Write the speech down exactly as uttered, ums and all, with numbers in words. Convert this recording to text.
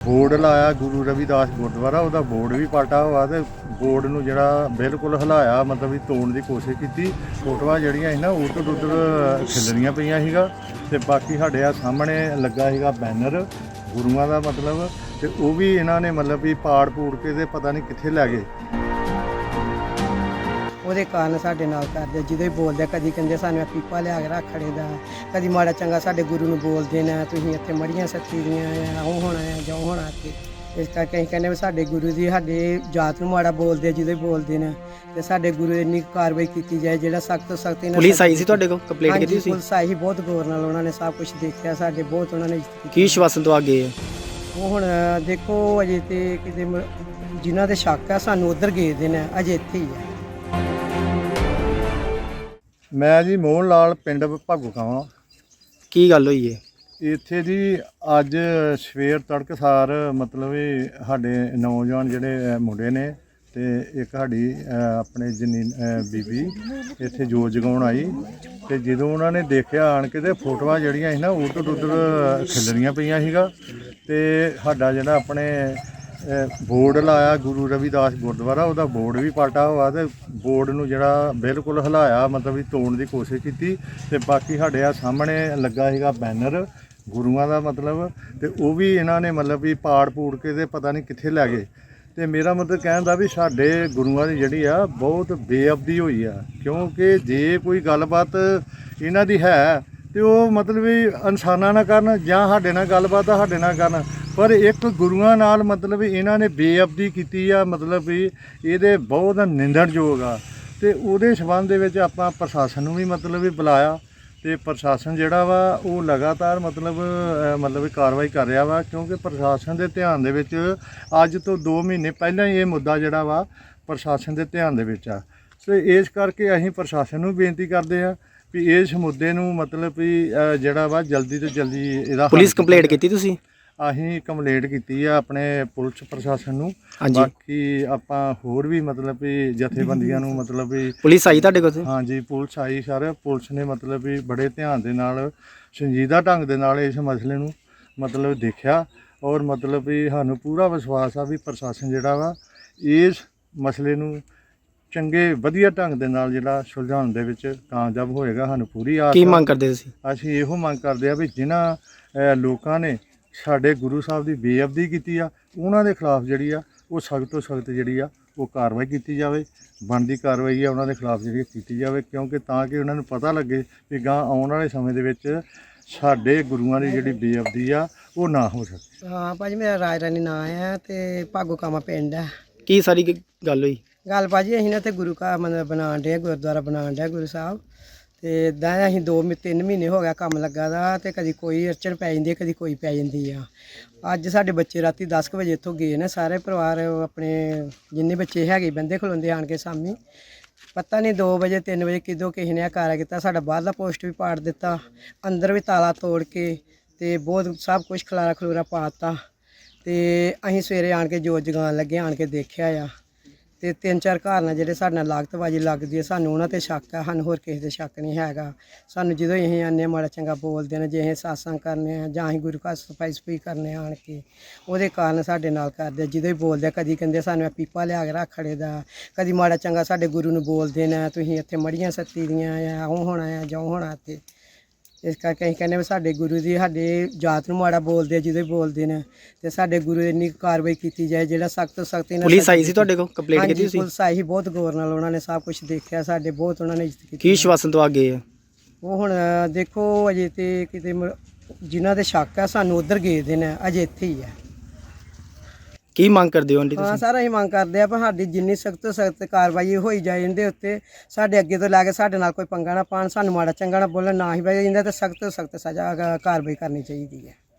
Board लाया गुरु रविदास गुरुद्वारा ਉਹਦਾ बोर्ड भी पाटा हुआ ਤੇ बोर्ड ਨੂੰ ਜਿਹੜਾ ਬਿਲਕੁਲ ਹਿਲਾਇਆ मतलब ਵੀ ਤੋੜਨ ਦੀ ਕੋਸ਼ਿਸ਼ ਕੀਤੀ। ਫੋਟੋਆਂ ਜਿਹੜੀਆਂ ਸੀ ਨਾ ਉੱਧਰ ਉੱਧਰ ਖਿਲਰੀਆਂ ਪਈਆਂ ਸੀਗਾ ਤੇ ਬਾਕੀ ਸਾਡੇ ਆ ਸਾਹਮਣੇ ਲੱਗਾ ਸੀਗਾ ਬੈਨਰ ਗੁਰੂਆਂ ਦਾ मतलब ਤੇ ਉਹ ਵੀ ਇਹਨਾਂ ਨੇ मतलब ਵੀ ਪਾੜ ਪੂੜ ਕੇ ਤੇ ਪਤਾ ਨਹੀਂ ਕਿੱਥੇ ਲੈ ਗਏ। ਉਹਦੇ ਕਾਰਨ ਸਾਡੇ ਨਾਲ ਕਰਦੇ ਜਦੋਂ ਹੀ ਬੋਲਦੇ ਕਦੀ ਕਹਿੰਦੇ ਸਾਨੂੰ ਪੀਪਾ ਲਿਆ ਕੇ ਰੱਖ ਖੜੇ ਦਾ, ਕਦੀ ਮਾੜਾ ਚੰਗਾ ਸਾਡੇ ਗੁਰੂ ਨੂੰ ਬੋਲਦੇ ਨੇ ਤੁਸੀਂ ਇੱਥੇ ਮੜੀਆਂ ਸੱਤੀ ਦੀਆਂ ਆ ਉਹ ਹੋਣਾ ਆ ਜੋ ਹੋਣਾ ਇੱਥੇ। ਇਸ ਕਰਕੇ ਅਸੀਂ ਕਹਿੰਦੇ ਵੀ ਸਾਡੇ ਗੁਰੂ ਦੀ ਸਾਡੇ ਜਾਤ ਨੂੰ ਮਾੜਾ ਬੋਲਦੇ ਜਦੋਂ ਹੀ ਬੋਲਦੇ ਨੇ ਤੇ ਸਾਡੇ ਗੁਰੂ ਇੰਨੀ ਕਾਰਵਾਈ ਕੀਤੀ ਜਾਏ ਜਿਹੜਾ ਸਖਤ ਤੋਂ ਸਖਤ ਇਹਨਾਂ। ਪੁਲਿਸ ਆਈ ਸੀ ਤੁਹਾਡੇ ਕੋਲ ਕੰਪਲੇਂਟ ਕੀਤੀ ਸੀ? ਪੁਲਿਸ ਆਈ ਬਹੁਤ ਗੌਰ ਨਾਲ ਉਹਨਾਂ ਨੇ ਸਭ ਕੁਝ ਦੇਖਿਆ ਸਾਡੇ ਬਹੁਤ ਉਹਨਾਂ ਨੇ ਕੀ ਸ਼ਵਾਸਨ ਤੋਂ ਆ ਗਏ ਆ? ਉਹ ਹੁਣ ਦੇਖੋ ਅਜੇ ਤੇ ਕਿਤੇ ਜਿਨ੍ਹਾਂ ਦੇ ਸ਼ੱਕ ਆ ਸਾਨੂੰ ਉੱਧਰ ਗਏ ਦੇ ਨੇ ਅਜੇ ਇੱਥੇ ਹੀ ਆ। ਮੈਂ ਜੀ ਮੋਹਨ ਲਾਲ ਪਿੰਡ ਭਾਗੋ ਕਾਵਾਂ। ਕੀ ਗੱਲ ਹੋਈ ਹੈ ਇੱਥੇ ਜੀ ਅੱਜ ਸਵੇਰ ਤੜਕਸਾਰ मतलब ਵੀ ਸਾਡੇ ਨੌਜਵਾਨ ਜਿਹੜੇ ਮੁੰਡੇ ਨੇ ਤੇ ਇੱਕ ਸਾਡੀ ਆਪਣੇ ਜਨੀ ਬੀਬੀ ਇੱਥੇ ਜੋਤ ਜਗਾਉਣ ਆਈ ਤੇ ਜਦੋਂ ਉਹਨਾਂ ਨੇ ਦੇਖਿਆ ਆਣ ਕੇ ਤੇ ਫੋਟੋਆਂ ਜਿਹੜੀਆਂ ਸੀ ਨਾ ਉੱਧਰ ਉੱਧਰ ਖਿਲਰੀਆਂ ਪਈਆਂ ਸੀਗਾ ਤੇ ਸਾਡਾ ਜਿਹੜਾ ਆਪਣੇ बोर्ड लाया गुरु रविदास गुरुद्वारा ਉਹਦਾ बोर्ड भी पाटा हुआ ਤੇ बोर्ड ਨੂੰ ਜਿਹੜਾ ਬਿਲकुल ਹਿਲਾਇਆ मतलब ਵੀ ਤੋੜਨ ਦੀ ਕੋਸ਼ਿਸ਼ ਕੀਤੀ ਤੇ ਬਾਕੀ ਸਾਡੇ ਆ ਸਾਹਮਣੇ ਲੱਗਾ ਸੀਗਾ ਬੈਨਰ ਗੁਰੂਆਂ ਦਾ मतलब ਤੇ ਉਹ ਵੀ ਇਹਨਾਂ ਨੇ मतलब ਵੀ ਪਾੜ ਪੂੜ ਕੇ ਤੇ ਪਤਾ ਨਹੀਂ ਕਿੱਥੇ ਲੈ ਗਏ। ਤੇ ਮੇਰਾ ਮਤਲਬ ਕਹਿਣ ਦਾ ਵੀ ਸਾਡੇ ਗੁਰੂਆਂ ਦੀ ਜਿਹੜੀ ਆ ਬਹੁਤ ਬੇਅਬਦੀ ਹੋਈ ਆ ਕਿਉਂਕਿ ਜੇ ਕੋਈ ਗੱਲਬਾਤ ਇਹਨਾਂ ਦੀ ਹੈ ਤੇ ਉਹ मतलब ਵੀ ਇਨਸਾਨਾਂ ਨਾਲ ਕਰਨ ਜਾਂ ਸਾਡੇ ਨਾਲ ਗੱਲਬਾਤ ਆ ਸਾਡੇ ਨਾਲ ਕਰਨ पर एक गुरुआं नाल मतलब इन्हां ने बेअबदी कीती आ मतलब भी ये बहुत निंदणयोग आ ते उहदे संबंध दे विच आपां प्रशासन नूं भी मतलब भी बुलाया ते प्रशासन जिहड़ा वा वो लगातार मतलब मतलब कार्रवाई कर रहा वा क्योंकि प्रशासन दे ध्यान दे विच अज तो दो महीने पहलां ही ये मुद्दा जिहड़ा वा प्रशासन दे ध्यान दे विच आ। ते इस करके असीं प्रशासन नूं बेनती करदे आ भी इस मुद्दे नूं मतलब भी जिहड़ा वा जल्दी तो जल्दी इहदा पुलिस कंप्लेंट कीती तुसीं? ਅਸੀਂ ਕੰਪਲੇਂਟ ਕੀਤੀ ਆ ਆਪਣੇ ਪੁਲਿਸ ਪ੍ਰਸ਼ਾਸਨ ਨੂੰ। ਬਾਕੀ ਆਪਾਂ ਹੋਰ ਵੀ ਮਤਲਬ ਵੀ ਜਥੇਬੰਦੀਆਂ ਨੂੰ ਮਤਲਬ ਵੀ ਪੁਲਿਸ ਆਈ ਤੁਹਾਡੇ ਕੋਲ? ਹਾਂਜੀ ਪੁਲਿਸ ਆਈ ਸਰ। ਪੁਲਿਸ ਨੇ ਮਤਲਬ ਵੀ ਬੜੇ ਧਿਆਨ ਦੇ ਨਾਲ ਸੰਜੀਦਾ ਢੰਗ ਦੇ ਨਾਲ ਇਸ ਮਸਲੇ ਨੂੰ ਮਤਲਬ ਦੇਖਿਆ ਔਰ ਮਤਲਬ ਵੀ ਸਾਨੂੰ ਪੂਰਾ ਵਿਸ਼ਵਾਸ ਆ ਵੀ ਪ੍ਰਸ਼ਾਸਨ ਜਿਹੜਾ ਵਾ ਇਸ ਮਸਲੇ ਨੂੰ ਚੰਗੇ ਵਧੀਆ ਢੰਗ ਦੇ ਨਾਲ ਜਿਹੜਾ ਸੁਲਝਾਉਣ ਦੇ ਵਿੱਚ ਕਾਮਯਾਬ ਹੋਏਗਾ। ਸਾਨੂੰ ਪੂਰੀ ਆਸ। ਕੀ ਮੰਗ ਕਰਦੇ ਤੁਸੀਂ? ਅਸੀਂ ਇਹੋ ਮੰਗ ਕਰਦੇ ਆ ਵੀ ਜਿਨ੍ਹਾਂ ਲੋਕਾਂ ਨੇ ਸਾਡੇ ਗੁਰੂ ਸਾਹਿਬ ਦੀ ਬੇਅਬਦੀ ਕੀਤੀ ਆ ਉਹਨਾਂ ਦੇ ਖਿਲਾਫ ਜਿਹੜੀ ਆ ਉਹ ਸਖਤ ਤੋਂ ਸਖਤ ਜਿਹੜੀ ਆ ਉਹ ਕਾਰਵਾਈ ਕੀਤੀ ਜਾਵੇ। ਬਣਦੀ ਕਾਰਵਾਈ ਆ ਉਹਨਾਂ ਦੇ ਖਿਲਾਫ ਜਿਹੜੀ ਕੀਤੀ ਜਾਵੇ ਕਿਉਂਕਿ ਤਾਂ ਕਿ ਉਹਨਾਂ ਨੂੰ ਪਤਾ ਲੱਗੇ ਵੀ ਗਾਂ ਆਉਣ ਵਾਲੇ ਸਮੇਂ ਦੇ ਵਿੱਚ ਸਾਡੇ ਗੁਰੂਆਂ ਦੀ ਜਿਹੜੀ ਬੇਅਬਦੀ ਆ ਉਹ ਨਾ ਹੋ ਸਕੇ। ਹਾਂ ਭਾਜੀ ਮੇਰਾ ਰਾਜ ਰਾਣੀ ਨਾਂ ਆ ਤੇ ਭਾਗੋ ਕਾਮਾ ਪਿੰਡ ਆ। ਕੀ ਸਾਰੀ ਗੱਲ ਹੋਈ? ਗੱਲ ਭਾਜੀ ਅਸੀਂ ਨਾ ਤੇ ਗੁਰੂ ਘਰ ਮਤਲਬ ਬਣਾਉਣ ਡਿਆ ਗੁਰਦੁਆਰਾ ਬਣਾਉਣ ਡਿਆ ਗੁਰੂ ਸਾਹਿਬ ਤੇ ਇੱਦਾਂ ਅਸੀਂ ਦੋ ਤਿੰਨ ਮਹੀਨੇ ਹੋ ਗਿਆ ਕੰਮ ਲੱਗਾ ਦਾ ਤੇ ਕਦੀ ਕੋਈ ਅੜਚਣ ਪੈ ਜਾਂਦੀ ਕਦੀ ਕੋਈ ਪੈ ਜਾਂਦੀ ਆ। ਅੱਜ ਸਾਡੇ ਬੱਚੇ ਰਾਤੀ ਦਸ ਕੁ ਵਜੇ ਇੱਥੋਂ ਗਏ ਨੇ ਸਾਰੇ ਪਰਿਵਾਰ ਆਪਣੇ ਜਿੰਨੇ ਬੱਚੇ ਹੈਗੇ ਬੰਦੇ ਖਲੋਂਦੇ ਆਣ ਕੇ ਸਾਮੀ ਪਤਾ ਨਹੀਂ ਦੋ ਵਜੇ ਤਿੰਨ ਵਜੇ ਕਿਦੋਂ ਕਿਸੇ ਨੇ ਕਾਰਾ ਕੀਤਾ ਸਾਡਾ ਬਾਹਰਲਾ ਪੋਸਟ ਵੀ ਪਾੜ ਦਿੱਤਾ ਅੰਦਰ ਵੀ ਤਾਲਾ ਤੋੜ ਕੇ ਤੇ ਬਹੁਤ ਸਭ ਕੁਝ ਖਲਾਰਾ ਖਲੂਰਾ ਪਾਤਾ ਤੇ ਅਸੀਂ ਸਵੇਰੇ ਆਣ ਕੇ ਜੋਤ ਜਗਾਉਣ ਲੱਗੇ ਆਣ ਕੇ ਦੇਖਿਆ ਆ ਤੇ ਤਿੰਨ ਚਾਰ ਘਰ ਨਾਲ ਜਿਹੜੇ ਸਾਡੇ ਨਾਲ ਲਾਗਤਬਾਜ਼ੀ ਲੱਗਦੀ ਹੈ ਸਾਨੂੰ ਉਹਨਾਂ 'ਤੇ ਸ਼ੱਕ ਆ। ਸਾਨੂੰ ਹੋਰ ਕਿਸੇ 'ਤੇ ਸ਼ੱਕ ਨਹੀਂ ਹੈਗਾ। ਸਾਨੂੰ ਜਦੋਂ ਅਸੀਂ ਆਉਂਦੇ ਮਾੜਾ ਚੰਗਾ ਬੋਲਦੇ ਨੇ ਜੇ ਅਸੀਂ ਸਾਸਾਂ ਕਰਨੇ ਆ ਜਾਂ ਅਸੀਂ ਗੁਰੂ ਘਰ ਸਫਾਈ ਸਫਾਈ ਕਰਨੇ ਆਣ ਕੇ ਉਹਦੇ ਕਾਰਨ ਸਾਡੇ ਨਾਲ ਕਰਦੇ ਜਦੋਂ ਹੀ ਬੋਲਦੇ ਕਦੀ ਕਹਿੰਦੇ ਸਾਨੂੰ ਪੀਪਾ ਲਿਆ ਕੇ ਰੱਖ ਖੜੇ ਦਾ, ਕਦੀ ਮਾੜਾ ਚੰਗਾ ਸਾਡੇ ਗੁਰੂ ਨੂੰ ਬੋਲਦੇ ਨੇ ਤੁਸੀਂ ਇੱਥੇ ਮੜੀਆਂ ਸੱਤੀ ਦੀਆਂ ਆ ਉਹ ਹੋਣਾ ਆ ਜੋ ਹੋਣਾ ਇੱਥੇ। ਇਸ ਕਰਕੇ ਅਸੀਂ ਕਹਿੰਦੇ ਵੀ ਸਾਡੇ ਗੁਰੂ ਦੀ ਸਾਡੇ ਜਾਤ ਨੂੰ ਮਾੜਾ ਬੋਲਦੇ ਜਦੋਂ ਹੀ ਬੋਲਦੇ ਨੇ ਤੇ ਸਾਡੇ ਗੁਰੂ ਇੰਨੀ ਕਾਰਵਾਈ ਕੀਤੀ ਜਾਏ ਜਿਹੜਾ ਸਖਤ ਤੋਂ ਸਖਤ। ਪੁਲਿਸ ਆਈ ਸੀ ਤੁਹਾਡੇ ਕੋਲ ਕੰਪਲੇਂਟ ਕੀਤੀ ਸੀ? ਪੁਲਿਸ ਆਈ ਬਹੁਤ ਗੌਰ ਨਾਲ ਉਹਨਾਂ ਨੇ ਸਭ ਕੁਝ ਦੇਖਿਆ ਸਾਡੇ ਬਹੁਤ ਉਹਨਾਂ ਨੇ ਇੱਜ਼ਤ ਕੀਤੀ। ਕੀ ਸ਼ਵਾਸਨ ਤੋਂ ਆ ਗਏ ਆ? ਉਹ ਹੁਣ ਦੇਖੋ ਅਜੇ ਤੇ ਕਿਤੇ ਜਿਨ੍ਹਾਂ ਦੇ ਸ਼ੱਕ ਆ ਸਾਨੂੰ ਉੱਧਰ ਗਏ ਦੇ ਨੇ ਅਜੇ ਇੱਥੇ ਹੀ ਆ। ਕੀ ਮੰਗ ਕਰਦੇ ਹੋ ਆਂਟੀ ਹਾਂ ਤੁਸੀਂ? ਸਰ ਅਸੀਂ ਮੰਗ ਕਰਦੇ ਆ ਪਰ ਸਾਡੀ ਜਿੰਨੀ ਸਖਤ ਤੋਂ ਸਖਤ ਕਾਰਵਾਈ ਹੋਈ ਜਾਏ ਇਹਦੇ ਉੱਤੇ ਸਾਡੇ ਅੱਗੇ ਤੋਂ ਲੈ ਕੇ ਸਾਡੇ ਨਾਲ ਕੋਈ ਪੰਗਾ ਨਾ ਪਾਣ ਸਾਨੂੰ ਮਾੜਾ ਚੰਗਾ ਨਾ ਬੋਲਣ ਨਾ ਹੀ ਬਈ ਇਹਦੇ ਤੇ ਸਖਤ ਤੋਂ ਸਖਤ ਸਜ਼ਾ ਕਾਰਵਾਈ ਕਰਨੀ ਚਾਹੀਦੀ ਹੈ।